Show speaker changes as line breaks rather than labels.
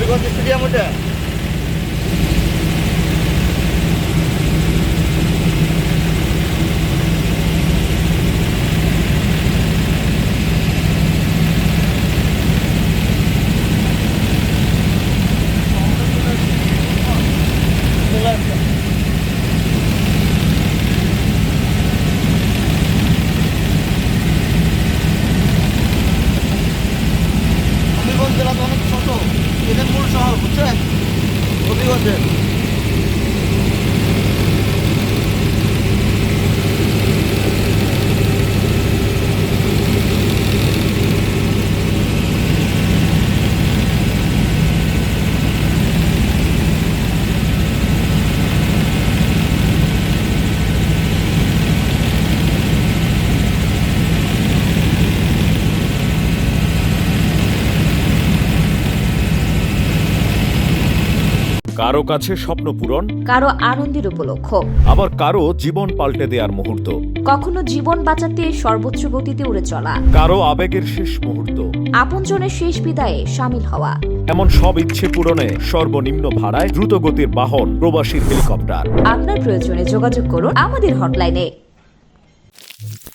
Habiganj stadium ওটা। হবিগঞ্জ জেলা তো অনেক ছোট, এদের মূল শহর বুঝছেন হবিগঞ্জের।
কারো কাছে স্বপ্ন পূরণ,
কারো আনন্দের উপলক্ষ,
আবার কারো জীবন পাল্টে দেওয়ার মুহূর্ত,
কখনো জীবন বাঁচাতে সর্বোচ্চ গতিতে উড়ে চলা,
কারো আবেগের শেষ মুহূর্ত।
আপনজনের শেষ বিদায়ে সামিল হওয়া।
এমন সব ইচ্ছে পূরণে সর্বনিম্ন ভাড়ায় দ্রুতগতির বাহন প্রবাসীর হেলিকপ্টার।
আপনার প্রয়োজনে যোগাযোগ করুন আমাদের হটলাইনে।